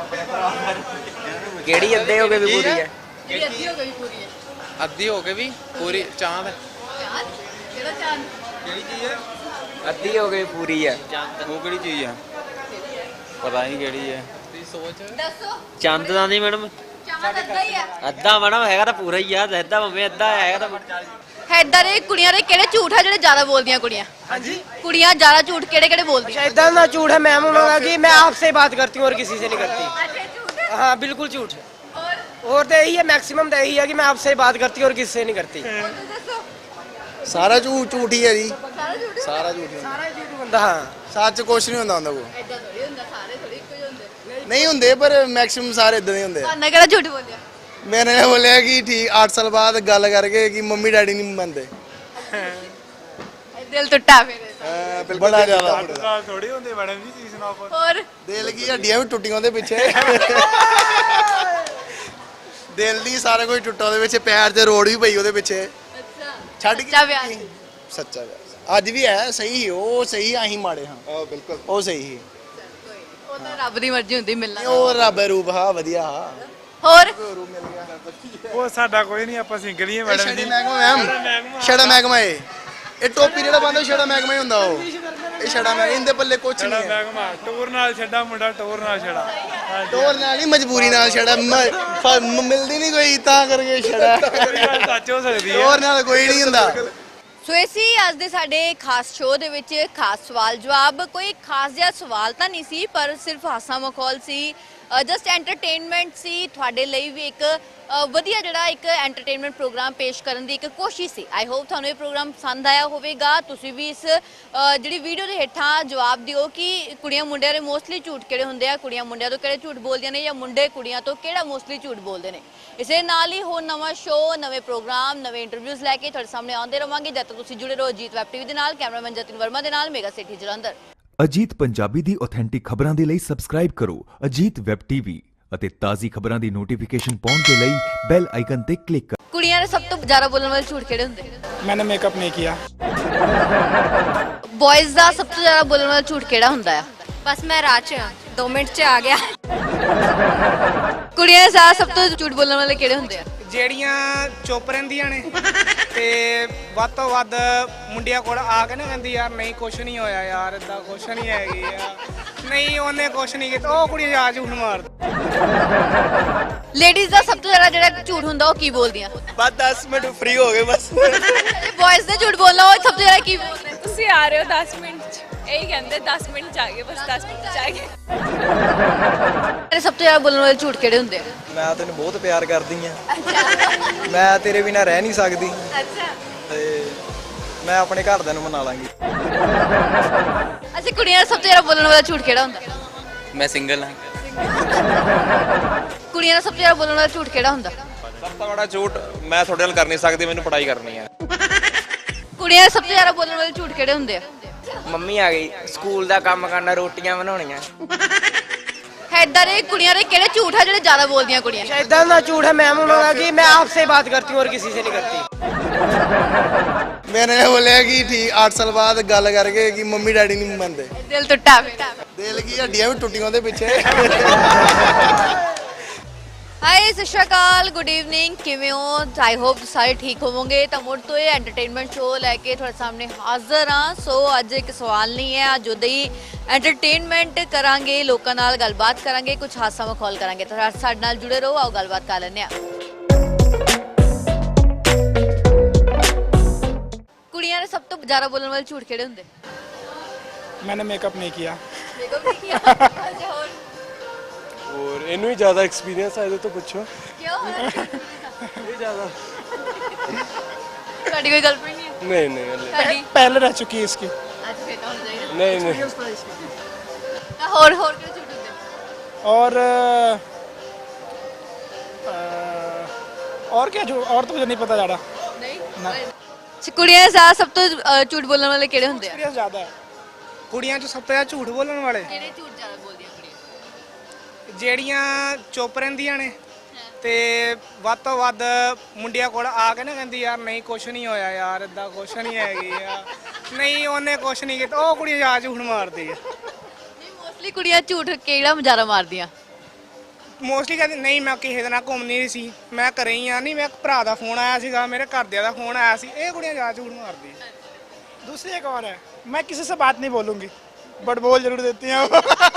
S10: ਕਿਹੜੀ ਅੱਧੇ ਹੋ ਕੇ ਵੀ ਪੂਰੀ ਹੈ
S2: ਜਿਹੜੀ ਅੱਧੀ ਹੋ ਕੇ ਵੀ ਪੂਰੀ ਹੈ
S6: ਅੱਧੀ ਹੋ ਕੇ ਵੀ ਪੂਰੀ ਚਾਂਦ
S2: ਚਾਂਦ ਕਿਹੜਾ ਚਾਂਦ
S10: ਅੱਧੀ ਹੋ ਕੇ ਵੀ ਪੂਰੀ ਹੈ
S8: ਉਹ ਕਿਹੜੀ ਚੀਜ਼ ਆ ਪਤਾ ਨਹੀਂ ਕਿਹੜੀ ਹੈ
S6: ਤੁਸੀਂ ਸੋਚ
S2: ਦੱਸੋ
S7: ਚੰਦ ਦਾ ਨਹੀਂ ਮੈਡਮ
S2: ਚਾਂਦ ਅੱਧਾ ਹੀ ਆ
S7: ਅੱਧਾ ਮੈਡਮ ਹੈਗਾ ਤਾਂ ਪੂਰਾ ਹੀ ਆ ਅੱਧਾ ਭਾਵੇਂ ਅੱਧਾ ਹੈਗਾ ਤਾਂ
S2: ਏਦਾਂ ਦੇ ਕੁੜੀਆਂ ਦੇ ਕਿਹੜੇ ਝੂਠ ਆ ਜਿਹੜੇ ਜ਼ਿਆਦਾ ਬੋਲਦੀਆਂ ਕੁੜੀਆਂ ਹਾਂਜੀ ਕੁੜੀਆਂ ਜ਼ਿਆਦਾ ਝੂਠ ਕਿਹੜੇ ਕਿਹੜੇ ਬੋਲਦੀਆਂ
S10: इतना ना झूठ है मैम होगा कि मैं आपसे बात करती हूँ और किसी से नहीं करती
S2: ਅੱਛਾ ਝੂਠ
S10: हाँ बिल्कुल झूठ
S2: और
S10: और तो यही है मैक्सिमम तो यही है कि मैं आपसे बात करती हूँ और किसी से नहीं करती
S2: ਦੱਸੋ
S11: ਸਾਰਾ ਝੂਠ ਹੀ ਹੈ ਜੀ
S2: ਸਾਰਾ ਝੂਠ
S11: ਸਾਰਾ ਝੂਠ ਹੀ ਹੁੰਦਾ
S10: सारा झूठ बंदा हाँ
S11: ਸੱਚ ਕੁਛ ਨਹੀਂ ਹੁੰਦਾ ਕੋ
S2: ਏਦਾਂ ਥੋੜੀ ਹੁੰਦਾ ਸਾਰੇ ਥੋੜੀ ਇੱਕੋ ਜਿਹੇ ਹੁੰਦੇ
S11: ਨਹੀਂ ਹੁੰਦੇ ਪਰ ਮੈਕਸਿਮਮ ਸਾਰੇ ਇਦਾਂ ਦੇ ਹੁੰਦੇ ਆ
S2: ਤੁਹਾਨੂੰ ਕਿਹੜਾ ਝੂਠ ਬੋਲਿਆ
S11: ਮੈਨੇ ਇਹ ਬੋਲਿਆ ਕਿ ਠੀਕ 8 ਸਾਲ ਬਾਅਦ ਗੱਲ ਕਰਕੇ ਕਿ ਮੰਮੀ ਡੈਡੀ ਨਹੀਂ ਮੰਨਦੇ
S2: ਇਹ ਦਿਲ ਟੁੱਟਾ ਫਿਰ
S11: ਬਿਲਕੁਲ ਬੜਾ ਜ਼ਿਆਦਾ
S4: ਥੋੜੀ ਹੁੰਦੀ ਮੈਡਮ ਜੀ ਚੀਜ਼
S2: ਹੋਰ
S11: ਦਿਲ ਕੀ ਹੱਡੀਆਂ ਵੀ ਟੁੱਟੀਆਂ ਉਹਦੇ ਪਿੱਛੇ ਦਿਲ ਦੀ ਸਾਰਾ ਕੁਝ ਟੁੱਟਾ ਉਹਦੇ ਵਿੱਚ ਪੈਰ ਤੇ ਰੋੜ ਵੀ ਪਈ ਉਹਦੇ ਪਿੱਛੇ ਛੱਡ
S2: ਸੱਚਾ ਵਿਆਹ
S11: ਕੇ ਸੱਚਾ ਵਿਆਹ ਅੱਜ ਵੀ ਹੈ ਸਹੀ ਸੀ, ਉਹ ਸਹੀ ਅਸੀਂ ਮਾੜੇ ਹਾਂ ਬਿਲਕੁਲ ਉਹ ਸਹੀ ਸੀ
S2: ਉਹ ਤਾਂ ਰੱਬ ਦੀ ਮਰਜ਼ੀ ਹੁੰਦੀ ਮਿਲਣਾ
S11: ਉਹ ਰੱਬ ਰੂਪ ਹਾਂ ਵਧੀਆ ਹਾਂ
S2: ਹੋਰ
S8: ਉਹ ਸਾਡਾ ਕੋਈ ਨਹੀਂ, ਆਪਾਂ ਸਿੰਗਲ ਹੀ ਮੈਡਮ
S11: ਛੜਾ ਮਹਿਕਮਾ ਮੈਮ ਛੜਾ ਮਹਿਕਮਾ ਇਹ ਟੋਪੀ ਜਿਹੜਾ ਬੰਦਾ ਛੜਾ ਮਹਿਕਮਾ ਹੀ ਹੁੰਦਾ ਉਹ ਇਹ ਛੜਾ ਮੈਂ ਇਹਦੇ ਪੱਲੇ ਕੁਛ ਨਹੀਂ ਹੈ
S8: ਟੂਰ ਨਾਲ ਛੱਡਾ ਮੁੰਡਾ ਟੂਰ ਨਾਲ ਛੜਾ
S11: ਟੋਰ ਨਾਲ ਨਹੀਂ ਮਜਬੂਰੀ ਨਾਲ ਛੜਾ ਮਿਲਦੀ ਨਹੀਂ ਕੋਈ ਤਾਂ ਕਰਕੇ ਛੜਾ
S8: ਸੱਚ ਹੋ ਸਕਦੀ ਹੈ।
S11: ਟੋਰ ਨਾਲ ਕੋਈ ਨਹੀਂ ਹੁੰਦਾ
S2: ਸੋ ਇਹ ਸੀ ਅੱਜ ਦੇ ਸਾਡੇ ਖਾਸ ਸ਼ੋਅ ਦੇ ਵਿੱਚ ਖਾਸ ਸਵਾਲ ਜਵਾਬ। ਕੋਈ ਖਾਸ ਜਿਹਾ ਸਵਾਲ ਤਾਂ ਨਹੀਂ ਸੀ, ਪਰ ਸਿਰਫ ਹਾਸਾ ਮਖੌਲ ਸੀ, ਜਸਟ ਐਂਟਰਟੇਨਮੈਂਟ ਸੀ। ਤੁਹਾਡੇ ਲਈ ਵੀ ਇੱਕ ਵਧੀਆ ਜਿਹੜਾ ਇੱਕ ਐਂਟਰਟੇਨਮੈਂਟ ਪ੍ਰੋਗਰਾਮ ਪੇਸ਼ ਕਰਨ ਦੀ ਇੱਕ ਕੋਸ਼ਿਸ਼ ਸੀ। ਆਈ ਹੋਪ ਤੁਹਾਨੂੰ ਇਹ ਪ੍ਰੋਗਰਾਮ ਪਸੰਦ ਆਇਆ ਹੋਵੇਗਾ। ਤੁਸੀਂ ਵੀ ਇਸ ਜਿਹੜੀ ਵੀਡੀਓ ਦੇ ਹੇਠਾਂ ਜਵਾਬ ਦਿਓ ਕਿ ਕੁੜੀਆਂ ਮੁੰਡਿਆਂ ਦੇ ਮੋਸਟਲੀ ਝੂਠ ਕਿਹੜੇ ਹੁੰਦੇ ਆ, ਕੁੜੀਆਂ ਮੁੰਡਿਆਂ ਤੋਂ ਕਿਹੜੇ ਝੂਠ ਬੋਲਦੀਆਂ ਨੇ, ਜਾਂ ਮੁੰਡੇ ਕੁੜੀਆਂ ਤੋਂ ਕਿਹੜਾ ਮੋਸਟਲੀ ਝੂਠ ਬੋਲਦੇ ਨੇ। ਇਸੇ ਨਾਲ ਹੀ ਹੋਰ ਨਵਾਂ ਸ਼ੋਅ, ਨਵੇਂ ਪ੍ਰੋਗਰਾਮ, ਨਵੇਂ ਇੰਟਰਵਿਊਜ਼ ਲੈ ਕੇ ਤੁਹਾਡੇ ਸਾਹਮਣੇ ਆਉਂਦੇ ਰਵਾਂਗੇ। ਜਦ ਤੱਕ ਤੁਸੀਂ ਜੁੜੇ ਰਹੋ ਅਜੀਤ ਵੈਬ ਟੀਵੀ ਦੇ ਨਾਲ। ਕੈਮਰਾਮੈਨ ਜਤਿਨ ਵਰਮਾ ਦੇ ਨਾਲ ਮੇਗਾ ਸਿਟੀ ਜਲੰਧਰ।
S12: ਅਜੀਤ ਪੰਜਾਬੀ ਦੀ ਆਥੈਂਟਿਕ ਖਬਰਾਂ ਦੇ ਲਈ ਸਬਸਕ੍ਰਾਈਬ ਕਰੋ ਅਜੀਤ ਵੈਬ ਟੀਵੀ ਅਤੇ ਤਾਜ਼ੀ ਖਬਰਾਂ ਦੀ ਨੋਟੀਫਿਕੇਸ਼ਨ ਪਾਉਣ ਦੇ ਲਈ ਬੈਲ ਆਈਕਨ ਤੇ ਕਲਿੱਕ ਕਰੋ।
S2: ਕੁੜੀਆਂ ਦੇ ਸਭ ਤੋਂ ਜ਼ਿਆਦਾ ਬੋਲਣ ਵਾਲੇ ਝੂਠ ਕਿਹੜੇ ਹੁੰਦੇ?
S1: मैंने मेकअप नहीं किया।
S2: ਬॉयਜ਼ ਦਾ ਸਭ ਤੋਂ ਜ਼ਿਆਦਾ ਬੋਲਣ ਵਾਲਾ ਝੂਠ ਕਿਹੜਾ ਹੁੰਦਾ ਆ?
S3: ਬਸ ਮੈਂ ਰਾਹ 'ਚ 2 ਮਿੰਟ 'ਚ ਆ ਗਿਆ।
S2: ਕੁੜੀਆਂ ਦੇ ਸਾਥ ਸਭ ਤੋਂ ਝੂਠ ਬੋਲਣ ਵਾਲੇ ਕਿਹੜੇ ਹੁੰਦੇ ਆ?
S1: ਜਿਹੜੀਆਂ ਚੁੱਪ ਰਹਿੰਦੀਆਂ ਨੇ ਤੇ ਵੱਧ ਤੋਂ ਵੱਧ ਮੁੰਡਿਆਂ ਕੋਲ ਆ ਕੇ ਨਾ ਕਹਿੰਦੀ ਯਾਰ ਨਹੀਂ ਕੁਛ ਨਹੀਂ ਹੋਇਆ ਯਾਰ, ਇਦਾਂ ਕੁਛ ਨਹੀਂ ਹੈਗੀ ਆ, ਨਹੀਂ ਉਹਨੇ ਕੁਛ ਨਹੀਂ ਕੀਤਾ, ਉਹ ਕੁੜੀ ਜਾ ਝੂਠ ਮਾਰਦੀ।
S2: ਲੇਡੀਜ਼ ਦਾ ਸਭ ਤੋਂ ਜ਼ਿਆਦਾ ਜਿਹੜਾ ਝੂਠ ਹੁੰਦਾ ਉਹ ਕੀ ਬੋਲਦੀਆਂ?
S7: ਬਸ 10 ਮਿੰਟ ਫ੍ਰੀ ਹੋ ਗਏ ਬਸ
S2: ਬॉयਜ਼ ਨੇ ਝੂਠ ਬੋਲਣਾ ਉਹ ਸਭ ਤੋਂ ਜ਼ਿਆਦਾ ਕੀ ਬੋਲਦੇ?
S9: ਤੁਸੀਂ ਆ ਰਹੇ ਹੋ 10 ਮਿੰਟ ਚ, ਇਹੀ ਕਹਿੰਦੇ 10 ਮਿੰਟ ਚ ਆ ਗਏ, ਬਸ 10 ਮਿੰਟ ਚ ਆ ਗਏ।
S2: ਤੇਰੇ ਸਭ ਤੋਂ ਜ਼ਿਆਦਾ ਬੋਲਣ ਵਾਲੇ ਝੂਠ ਕਿਹੜੇ ਹੁੰਦੇ ਆ?
S7: ਮੈਂ ਤੈਨੂੰ ਬਹੁਤ ਪਿਆਰ ਕਰਦੀ ਆ, ਮੈਂ ਤੇਰੇ ਬਿਨਾਂ ਰਹਿ ਨਹੀਂ ਸਕਦੀ,
S2: ਅੱਛਾ
S7: ਤੇ ਮੈਂ ਆਪਣੇ ਘਰਦਿਆਂ ਨੂੰ ਮਨਾ ਲਾਂਗੀ।
S2: ਅੱਛਾ, ਕੁੜੀਆਂ ਦਾ ਸਭ ਤੋਂ ਜ਼ਿਆਦਾ ਬੋਲਣ ਵਾਲਾ ਝੂਠ ਕਿਹੜਾ ਹੁੰਦਾ?
S5: ਮੈਂ ਸਿੰਗਲ ਹਾਂ।
S2: ਕੁੜੀਆਂ ਦਾ ਸਭ ਤੋਂ ਜ਼ਿਆਦਾ ਬੋਲਣ ਵਾਲਾ ਝੂਠ ਕਿਹੜਾ ਹੁੰਦਾ?
S6: ਸਭ ਤੋਂ ਬੜਾ ਝੂਠ, ਮੈਂ ਤੁਹਾਡੇ ਨਾਲ ਕਰ ਨਹੀਂ ਸਕਦੀ, ਮੈਨੂੰ ਪੜ੍ਹਾਈ ਕਰਨੀ ਹੈ।
S2: ਕੁੜੀਆਂ ਦਾ ਸਭ ਤੋਂ ਜ਼ਿਆਦਾ ਬੋਲਣ ਵਾਲੇ ਝੂਠ ਕਿਹੜੇ ਹੁੰਦੇ ਆ?
S10: ਮੰਮੀ ਆ ਗਈ, ਸਕੂਲ ਦਾ ਕੰਮ ਕਰਨਾ, ਰੋਟੀਆਂ ਬਣਾਉਣੀਆਂ।
S2: ਏਦਾਂ ਦੇ ਕੁੜੀਆਂ ਦੇ ਕਿਹੜੇ ਝੂਠ ਆ ਜਿਹੜੇ ਜ਼ਿਆਦਾ ਬੋਲਦੀਆਂ ਕੁੜੀਆਂ?
S10: इतना ना झूठ है मैम उन्होंने कि मैं आपसे बात करती हूँ और किसी से नहीं करती।
S11: ਮੈਨੇ ਬੋਲਿਆ ਕਿ ਠੀਕ 8 ਸਾਲ ਬਾਅਦ ਗੱਲ ਕਰਕੇ ਕਿ ਮੰਮੀ ਡੈਡੀ ਨਹੀਂ ਮੰਨਦੇ
S2: ਦਿਲ ਟੁੱਟਾ ਪਿਆ।
S11: ਦਿਲ ਕੀ ਹੱਡੀਆਂ ਵੀ ਟੁੱਟੀਆਂ ਉਹਦੇ ਪਿੱਛੇ
S2: ਹਾਈ ਸਤਿ ਸ਼੍ਰੀ ਅਕਾਲ, ਗੁੱਡ ਈਵਨਿੰਗ, ਕਿਵੇਂ ਹੋ? ਆਈ ਹੋਪ ਸਾਰੇ ਠੀਕ ਹੋਵੋਗੇ। ਤਾਂ ਮੁੜ ਤੋਂ ਇਹ ਐਂਟਰਟੇਨਮੈਂਟ ਸ਼ੋਅ ਲੈ ਕੇ ਤੁਹਾਡੇ ਸਾਹਮਣੇ ਹਾਜ਼ਰ ਹਾਂ। ਸੋ ਅੱਜ ਇੱਕ ਸਵਾਲ ਨਹੀਂ ਹੈ, ਅੱਜ ਉਹਦੇ ਹੀ ਐਂਟਰਟੇਨਮੈਂਟ ਕਰਾਂਗੇ, ਲੋਕਾਂ ਨਾਲ ਗੱਲਬਾਤ ਕਰਾਂਗੇ, ਕੁਝ ਹਾਸਾ ਮਖੌਲ ਕਰਾਂਗੇ। ਤਾਂ ਸਾਡੇ ਨਾਲ ਜੁੜੇ ਰਹੋ, ਆਓ ਗੱਲਬਾਤ ਕਰ ਲੈਂਦੇ ਹਾਂ। ਕੁੜੀਆਂ ਦੇ ਸਭ ਤੋਂ ਜ਼ਿਆਦਾ ਬੋਲਣ ਵਾਲੇ ਝੂਠ ਕਿਹੜੇ ਹੁੰਦੇ?
S1: मैंने मेकअप नहीं किया।
S2: ਮੇਕਅਪ ਨਹੀਂ ਕੀਤਾ। ਅੱਛਾ, ਹੋਰ
S8: ਹੋਰ ਇਹਨੂੰ ਹੀ ਜ਼ਿਆਦਾ ਐਕਸਪੀਰੀਅੰਸ ਆ, ਇਹਦੇ ਤੋਂ ਪੁੱਛੋ।
S2: ਕਿਉਂ?
S8: ਇਹ ਜ਼ਿਆਦਾ
S2: ਤੁਹਾਡੀ ਕੋਈ ਗਰਲਫ੍ਰੈਂਡ ਨਹੀਂ ਹੈ?
S8: ਨਹੀਂ ਨਹੀਂ ਹਲੇ
S2: ਤੁਹਾਡੀ
S1: पहले रह चुकी है इसकी।
S2: ਅੱਜ ਫੇਰ ਤਾਂ ਹੋ ਜਾਏਗਾ।
S8: ਨਹੀਂ ਨਹੀਂ
S2: ਤਾਂ ਹੋਰ ਕਿਹੜੇ ਝੂਠ ਹੁੰਦੇ?
S1: और क्या और तो मुझे नहीं पता ज़्यादा।
S2: ਨਹੀਂ ਕੁੜੀਆਂ ਦੇ ਸਾਥ ਸਭ ਤੋਂ ਝੂਠ ਬੋਲਣ ਵਾਲੇ ਕਿਹੜੇ ਹੁੰਦੇ ਆ?
S1: एक्सपीरियंस ज़्यादा है ਕੁੜੀਆਂ 'ਚ ਸਭ ਤੋਂ ਜ਼ਿਆਦਾ ਝੂਠ ਬੋਲਣ ਵਾਲੇ
S2: ਕਿਹੜੇ ਝੂਠ ਜ਼ਿਆਦਾ ਬੋਲਦੀਆਂ ਕੁੜੀਆਂ?
S1: ਜਿਹੜੀਆਂ ਚੁੱਪ ਰਹਿੰਦੀਆਂ ਨੇ ਤੇ ਵੱਧ ਤੋਂ ਵੱਧ ਮੁੰਡਿਆਂ ਕੋਲ ਆ ਕੇ ਨਾ ਕਹਿੰਦੀ ਯਾਰ ਨਹੀਂ ਕੁਛ ਨਹੀਂ ਹੋਇਆ ਯਾਰ, ਇਦਾਂ ਕੁਛ ਨਹੀਂ ਹੈਗੀ ਆ, ਨਹੀਂ ਉਹਨੇ ਕੁਛ ਨਹੀਂ ਕੀਤਾ, ਉਹ ਕੁੜੀ ਜਾ ਝੂਠ ਮਾਰਦੀ ਆ।
S2: ਨਹੀਂ ਮੋਸਟਲੀ ਕੁੜੀਆਂ ਝੂਠ ਕਿਹੜਾ ਜ਼ਿਆਦਾ ਮਾਰਦੀਆਂ?
S1: ਮੋਸਟਲੀ ਕਹਿੰਦੀ ਨਹੀਂ ਮੈਂ ਕਿਸੇ ਦੇ ਨਾਲ ਘੁੰਮਣੀ ਨਹੀਂ ਸੀ, ਮੈਂ ਘਰੇ ਹੀ ਆ, ਨਹੀਂ ਮੈਂ ਭਰਾ ਦਾ ਫੋਨ ਆਇਆ ਸੀਗਾ, ਮੇਰੇ ਘਰਦਿਆਂ ਦਾ ਫੋਨ ਆਇਆ ਸੀ, ਇਹ ਕੁੜੀਆਂ ਜਾ ਝੂਠ ਮਾਰਦੀ ਆ। दूसरी एक और है, मैं किसी से बात नहीं बोलूंगी बट बोल जरूर देती हैं।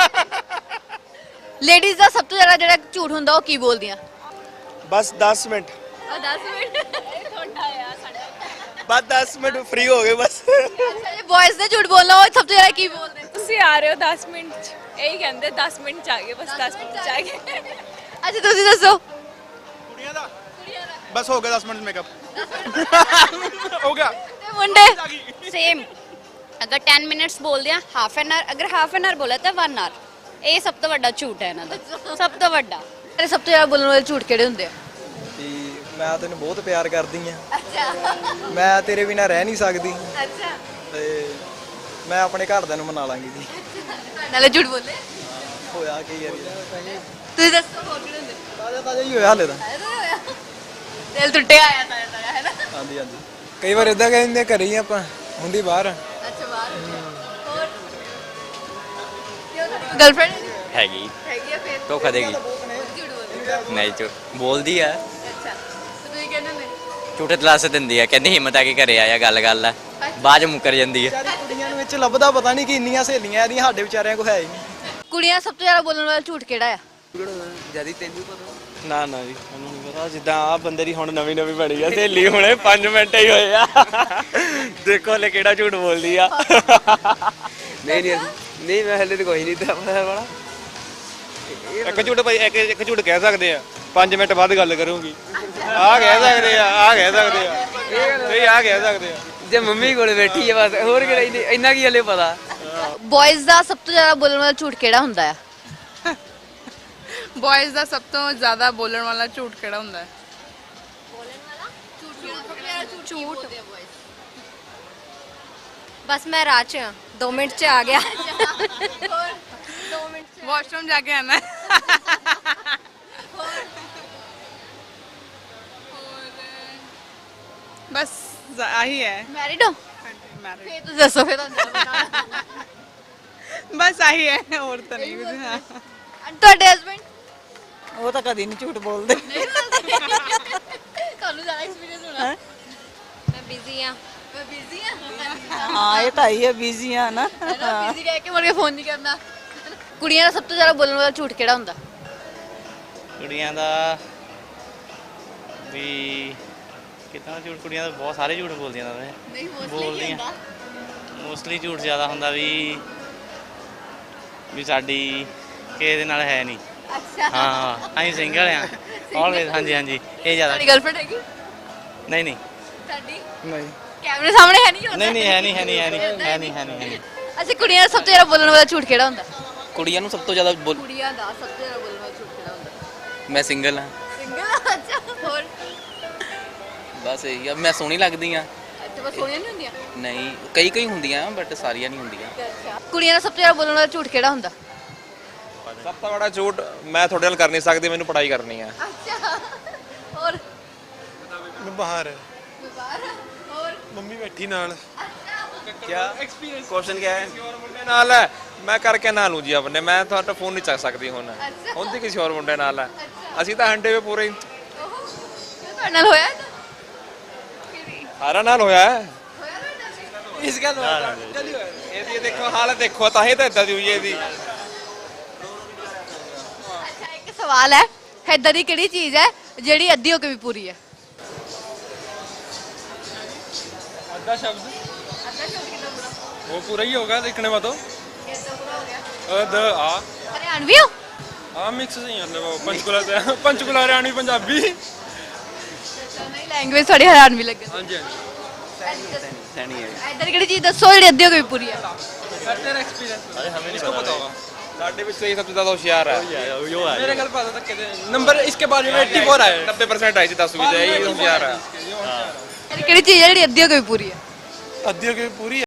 S2: ਲੇਡੀਜ਼ ਦਾ ਸਭ ਤੋਂ ਜ਼ਿਆਦਾ ਜਿਹੜਾ ਝੂਠ ਹੁੰਦਾ ਉਹ ਕੀ ਬੋਲਦੀਆਂ?
S7: ਬਸ 10 ਮਿੰਟ
S2: 10 ਮਿੰਟ ਤੁਹਾਡਾ ਆ ਸਾਡਾ।
S7: ਬਸ 10 ਮਿੰਟ ਫ੍ਰੀ ਹੋ ਗਏ ਬਸ
S2: ਅੱਛਾ, ਜੇ ਬॉयਜ਼ ਨੇ ਝੂਠ ਬੋਲਣਾ ਉਹ ਸਭ ਤੋਂ ਜ਼ਿਆਦਾ ਕੀ ਬੋਲਦੇ?
S9: ਤੁਸੀਂ ਆ ਰਹੇ ਹੋ 10 ਮਿੰਟ ਚ, ਇਹੀ ਕਹਿੰਦੇ 10 ਮਿੰਟ ਚ ਆ ਗਏ, ਬਸ 10 ਮਿੰਟ ਚ ਆ ਗਏ।
S2: ਅੱਛਾ, ਤੁਸੀਂ ਦੱਸੋ।
S4: ਕੁੜੀਆਂ ਦਾ ਬਸ ਹੋ ਗਿਆ 10 ਮਿੰਟ ਮੇਕਅਪ ਹੋ ਗਿਆ।
S2: ਤੇ ਮੁੰਡੇ?
S3: सेम, अगर 10 मिनट्स बोल दिया, हाफ एन आवर, अगर हाफ एन आवर बोला तो 1 आवर। ਇਹ ਸਭ ਤੋਂ ਵੱਡਾ ਝੂਠ ਹੈ ਇਹਨਾਂ ਦਾ, ਸਭ ਤੋਂ ਵੱਡਾ।
S2: ਤੇਰੇ ਸਭ ਤੋਂ ਜ਼ਿਆਦਾ ਬੋਲਣ ਵਾਲੇ ਝੂਠ ਕਿਹੜੇ ਹੁੰਦੇ ਆ?
S7: ਕਿ ਮੈਂ ਤੈਨੂੰ ਬਹੁਤ ਪਿਆਰ ਕਰਦੀ ਆ,
S2: ਅੱਛਾ
S7: ਮੈਂ ਤੇਰੇ ਬਿਨਾਂ ਰਹਿ ਨਹੀਂ ਸਕਦੀ,
S2: ਅੱਛਾ
S7: ਤੇ ਮੈਂ ਆਪਣੇ ਘਰਦਿਆਂ ਨੂੰ ਮਨਾ ਲਾਂਗੀ ਜੀ।
S2: ਨਾਲੇ ਝੂਠ ਬੋਲੇ
S7: ਹੋਇਆ ਕੀ ਯਾਰ
S2: ਤੁਸੀਂ ਦੱਸੋ ਹੋਰ ਕਿਹੜੇ ਹੁੰਦੇ
S7: ਤਾਜ਼ਾ ਤਾਜ਼ਾ ਹੀ ਹੋਇਆ ਹਾਲੇ ਤਾਂ।
S2: ਦਿਲ ਟੁੱਟਿਆ ਆਇਆ ਤਾਂ ਹੈ ਨਾ।
S7: ਹਾਂਜੀ ਹਾਂਜੀ
S1: ਕਈ ਵਾਰ ਇਦਾਂ ਕਹਿੰਦੇ ਘਰੇ ਹੀ ਆਪਾਂ ਹੁੰਦੀ ਬਾਹਰ
S2: ਅੱਛਾ ਬਾਹਰ ਹੋਰ ਗਰਲਫ੍ਰੈਂਡ
S5: ਹੈਗੀ
S2: ਹੈਗੀ ਆ ਫਿਰ
S5: ਧੋਖਾ ਦੇਗੀ
S2: ਝੂਠ ਬੋਲਦੇ
S5: ਨਹੀਂ ਝੂਠ ਬੋਲਦੀ ਆ
S2: ਅੱਛਾ ਤੇ ਤੁਸੀਂ ਕਹਿੰਦੇ ਨੇ
S5: ਝੂਠੇ ਤਲਾਸ ਦਿੰਦੀ ਆ ਕਹਿੰਦੀ ਹਿੰਮਤ ਆ ਕੇ ਘਰੇ ਆਇਆ ਗੱਲ ਆ ਬਾਅਦ ਚ ਮੁੱਕਰ ਜਾਂਦੀ ਆ
S7: ਵਿਚਾਰੀ ਕੁੜੀਆਂ ਨੂੰ ਵਿੱਚ ਲੱਭਦਾ ਪਤਾ ਨਹੀਂ ਕਿ ਇੰਨੀਆਂ ਸਹੇਲੀਆਂ ਇਹਦੀਆਂ ਸਾਡੇ ਵਿਚਾਰਿਆਂ ਕੋਲ ਹੈ ਹੀ ਨਹੀਂ।
S2: ਕੁੜੀਆਂ ਸਭ ਤੋਂ ਜ਼ਿਆਦਾ ਬੋਲਣ ਵਾਲਾ ਝੂਠ ਕਿਹੜਾ ਆ
S5: ਜਦੀ ਤੈਨੂੰ ਪਤਾ
S8: ਨਾ ਨਾ ਜੀ ਉਹਨੂੰ ਨਹੀਂ ਪਤਾ ਜਿੱਦਾਂ ਆ ਬੰਦੇ ਦੀ ਹੁਣ ਨਵੀਂ ਬਣੀ ਆ ਸਹੇਲੀ ਹੁਣੇ 5 ਮਿੰਟ ਹੀ ਹੋਏ ਆ ਦੇਖੋ ਲੈ ਕਿਹੜਾ ਝੂਠ ਬੋਲਦੀ ਆ
S5: ਨਹੀਂ ਮੈਂ ਹਲੇ ਤਾਂ ਕੋਈ ਨਹੀਂ ਤਾਂ ਵਾਲਾ
S4: ਇੱਕ ਝੂਠ ਭਾਈ ਇੱਕ ਝੂਠ ਕਹਿ ਸਕਦੇ ਆ 5 ਮਿੰਟ ਬਾਅਦ ਗੱਲ ਕਰੂੰਗੀ ਆ ਕਹਿ ਸਕਦੇ ਆ ਇਹ ਆ ਕਹਿ ਸਕਦੇ ਆ
S5: ਜੇ ਮੰਮੀ ਕੋਲੇ ਬੈਠੀ ਆ ਬਸ ਹੋਰ ਕਿ ਨਹੀਂ ਇੰਨਾ ਕੀ ਹਲੇ ਪਤਾ
S2: ਬॉयਜ਼ ਦਾ ਸਭ ਤੋਂ ਜ਼ਿਆਦਾ ਬੋਲਣ ਵਾਲਾ ਝੂਠ ਕਿਹੜਾ ਹੁੰਦਾ ਆ
S9: ਬॉयਜ਼ ਦਾ ਸਭ ਤੋਂ ਜ਼ਿਆਦਾ ਬੋਲਣ ਵਾਲਾ ਝੂਠ ਕਿਹੜਾ ਹੁੰਦਾ ਹੈ?
S2: ਝੂਠ
S3: ਬਸ ਮੈਂ ਰਾਹ 'ਚ 2 ਮਿੰਟ 'ਚ ਆ ਗਿਆ
S9: ਵਾਸ਼ਰੂਮ ਜਾ ਕੇ ਆਣਾ ਬਸ ਆਹੀ ਹੈ
S2: ਮੈਰਿਡ ਹੋ ਫੇਰ ਤੁਸੀਂ ਦੱਸੋ ਫੇਰ
S9: ਬਸ ਆਹੀ ਹੈ ਹੋਰ ਤਾਂ ਨਹੀਂ ਕੁਝ ਹਾਂ
S2: ਤੁਹਾਡੇ ਹਸਬੰਡ
S10: ਉਹ ਤਾਂ ਕਦੀ ਨਹੀਂ ਝੂਠ ਬੋਲਦੇ।
S2: ਤੁਹਾਨੂੰ ਜ਼ਿਆਦਾ ਐਕਸਪੀਰੀਅੰਸ ਹੋਣਾ
S3: ਮੈਂ ਬਿਜ਼ੀ ਆ
S2: ਮੈਂ ਬਿਜ਼ੀ ਆ
S10: ਹਾਂ ਇਹ ਤਾਂ ਹੀ ਹੈ ਬਿਜ਼ੀ ਆ ਨਾ।
S2: ਬਿਜ਼ੀ ਕਹਿ ਕੇ ਮੁੜ ਕੇ ਫੋਨ ਨਹੀਂ ਕਰਨਾ ਕੁੜੀਆਂ ਦਾ ਸਭ ਤੋਂ ਜ਼ਿਆਦਾ ਬੋਲਣ ਵਾਲਾ ਝੂਠ ਕਿਹੜਾ ਹੁੰਦਾ
S8: ਕੁੜੀਆਂ ਦਾ ਵੀ ਕਿਤਨਾ ਝੂਠ ਕੁੜੀਆਂ ਦਾ ਬਹੁਤ ਸਾਰੇ ਝੂਠ ਬੋਲਦੀਆਂ ਨੇ
S2: ਨਹੀਂ
S8: ਬੋਲਦੀਆਂ ਮੋਸਟਲੀ ਝੂਠ ਜ਼ਿਆਦਾ ਹੁੰਦਾ ਵੀ ਸਾਡੀ ਕਿਸੇ ਦੇ ਨਾਲ ਹੈ ਨਹੀਂ
S2: ਅੱਛਾ
S8: ਹਾਂ ਅਸੀਂ ਸਿੰਗਲ ਆ ਆਲਵੇਜ਼ ਹਾਂਜੀ ਇਹ ਜ਼ਿਆਦਾ
S2: ਤੁਹਾਡੀ ਗਰਲਫ੍ਰੈਂਡ ਹੈਗੀ
S8: ਨਹੀਂ
S2: ਤੁਹਾਡੀ
S7: ਨਹੀਂ
S2: ਕੈਮਰੇ ਸਾਹਮਣੇ ਹੈ ਨਹੀਂ
S8: ਨਹੀਂ ਹੈ ਨਹੀਂ
S2: ਅੱਛਾ ਕੁੜੀਆਂ ਦਾ ਸਭ ਤੋਂ ਜ਼ਿਆਦਾ ਬੋਲਣ ਵਾਲਾ ਝੂਠ ਕਿਹੜਾ ਹੁੰਦਾ
S5: ਕੁੜੀਆਂ ਨੂੰ ਸਭ ਤੋਂ ਜ਼ਿਆਦਾ
S2: ਕੁੜੀਆਂ ਦਾ ਸਭ ਤੋਂ ਜ਼ਿਆਦਾ ਬੋਲਣ ਵਾਲਾ ਝੂਠ ਕਿਹੜਾ ਹੁੰਦਾ
S5: ਮੈਂ ਸਿੰਗਲ ਹਾਂ
S2: ਸਿੰਗਲ ਅੱਛਾ ਹੋਰ
S5: ਬਸ ਇਹੀ ਆ ਮੈਂ ਸੋਹਣੀ ਲੱਗਦੀ ਆ
S2: ਅੱਛਾ ਬਸ ਸੋਹਣੀਆਂ ਨਹੀਂ ਹੁੰਦੀਆਂ
S5: ਨਹੀਂ ਕਈ ਹੁੰਦੀਆਂ ਬਟ ਸਾਰੀਆਂ ਨਹੀਂ ਹੁੰਦੀਆਂ
S2: ਅੱਛਾ ਕੁੜੀਆਂ ਦਾ ਸਭ ਤੋਂ ਜ਼ਿਆਦਾ ਬੋਲਣ ਵਾਲਾ ਝੂਠ ਕਿਹੜਾ ਹੁੰਦਾ
S6: ਸਭ ਤੋਂ ਬੜਾ ਝੂਠ ਮੈਂ ਤੁਹਾਡੇ ਨਾਲ ਕਰ ਨਹੀਂ ਸਕਦੀ ਮੈਨੂੰ ਪੜ੍ਹਾਈ ਕਰਨੀ ਆ
S2: ਅੱਛਾ ਹੋਰ
S4: ਬਾਹਰ
S2: ਬਾਹਰ ਹੋਰ
S4: ਮੰਮੀ ਬੈਠੀ ਨਾਲ
S6: ਕੁਐਸਚਨ ਕੀ ਹੈ ਮੁੰਡੇ ਨਾਲ ਹੈ ਮੈਂ ਕਰਕੇ ਨਾ ਲੂੰ ਜੀ ਆਪਣੇ ਮੈਂ ਤੁਹਾਡਾ ਫੋਨ ਨਹੀਂ ਚੱਕ ਸਕਦੀ ਹੁਣ ਹੁੰਦੀ ਕਿਸੇ ਹੋਰ ਮੁੰਡੇ ਨਾਲ ਹੈ ਅਸੀਂ ਤਾਂ ਹੰਡੇ ਵੇ ਪੂਰੇ ਹੀ
S2: ਤੁਹਾਡੇ ਨਾਲ ਹੋਇਆ
S6: ਸਾਰਾ ਨਾਲ ਹੋਇਆ ਹੈ
S1: ਇਸ ਗੱਲ
S6: ਇਹਦੀ ਦੇਖੋ ਹਾਲਤ ਦੇਖੋ ਤਾਂ ਹੀ ਤਾਂ ਇਦਾਂ ਦੀ ਹੋਈ ਇਹਦੀ
S2: ਅੱਛਾ ਇੱਕ ਸਵਾਲ ਹੈ ਏਦਾਂ ਦੀ ਕਿਹੜੀ ਚੀਜ਼ ਹੈ ਜਿਹੜੀ ਅੱਧੀ ਹੋ ਕੇ ਵੀ ਪੂਰੀ ਹੈ
S4: ਅੱਧਾ ਸ਼ਬਦ वो पूरा ही होगा लिखने में तो द आ
S2: हरियाणवी हो
S4: हाँ मिक्स नहीं मतलब वो पंचकुला हरियाणवी पंजाबी
S2: नहीं लैंग्वेज थोड़ी हरियाणवी लग
S4: हाँ जी
S8: ਸੈਣੀ ਹੈ
S2: ਏਦਾਂ ਦੀ ਕਿਹੜੀ ਚੀਜ਼ ਦੱਸੋ ਜਿਹੜੀ ਅੱਧੀ ਹੋ ਕੇ ਵੀ ਪੂਰੀ ਹੈ
S4: तेरा एक्सपीरियंस हमें नहीं पता होगा
S6: ਸਾਡੇ ਵਿੱਚ ਸਹੀ ਸਭ ਤੋਂ ਜ਼ਿਆਦਾ ਹੁਸ਼ਿਆਰ ਹੈ
S4: मेरे घर पता था नंबर इसके बाद में 84 आए
S6: 90% ਆਈ ਸੀ 10 ਵਿੱਚ ਇਹ ਹੁਸ਼ਿਆਰ ਹੈ
S2: ਕਿਹੜੀ ਚੀਜ਼ ਹੈ ਜਿਹੜੀ ਅੱਧੀ ਹੋ ਕੇ ਵੀ ਪੂਰੀ ਹੈ
S4: अद्धियों की पूरी